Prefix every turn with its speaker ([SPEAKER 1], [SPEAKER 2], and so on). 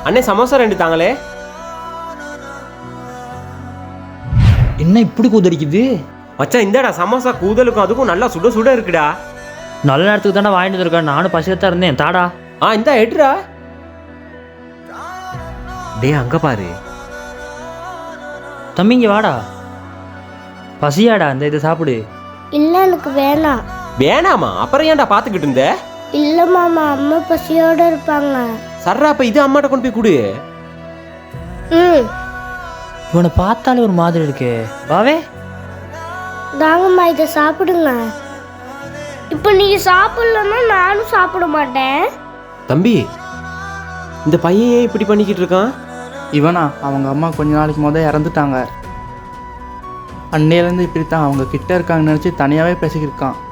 [SPEAKER 1] அண்ணே சமோசா 2 தாங்களே.
[SPEAKER 2] என்ன இப்படி கூதடிக்குது?
[SPEAKER 1] மச்சான் இந்தாடா சமோசா, கூதலுக்கும் அதுக்கும் நல்லா சுட சுட இருக்குடா.
[SPEAKER 2] நல்ல நேரத்துக்கு தானே வாங்கிட்டு வந்திருக்கேன், நானும் பசியத்தான் இருந்தேன். தாடா.
[SPEAKER 1] இந்தா எடுறா. டேய் அங்க பாரு
[SPEAKER 2] தம்பி, இங்கே வாடா. பசியாடா, இந்த இதை சாப்பிடு.
[SPEAKER 3] இல்லை எனக்கு வேணாம்.
[SPEAKER 1] வேணாமா? அப்புறம் ஏன்டா பாத்துக்கிட்டு இருந்த?
[SPEAKER 3] இல்லை மாமா, அம்மா பசியோட இருப்பாங்க.
[SPEAKER 1] சர்ரா, அப்ப இது அம்மாட்ட கொண்டு போய் கொடு.
[SPEAKER 2] இவனை பார்த்தாலே ஒரு மாதிரி இருக்கே. வாவே,
[SPEAKER 3] தாங்கம்மா இதை சாப்பிடுங்க. இப்போ நீங்க சாப்பிடலன்னா நானும் சாப்பிட மாட்டேன்.
[SPEAKER 1] தம்பி, இந்த பையன் ஏன் இப்படி பண்ணிக்கிட்டு இருக்கான்?
[SPEAKER 4] இவனா, அவங்க அம்மா கொஞ்ச நாளைக்கு இறந்துட்டாங்க. அன்னையிலேருந்து இப்படி தான் அவங்க கிட்ட இருக்காங்கன்னு நினச்சி தனியாகவே பேசிக்கிருக்கான்.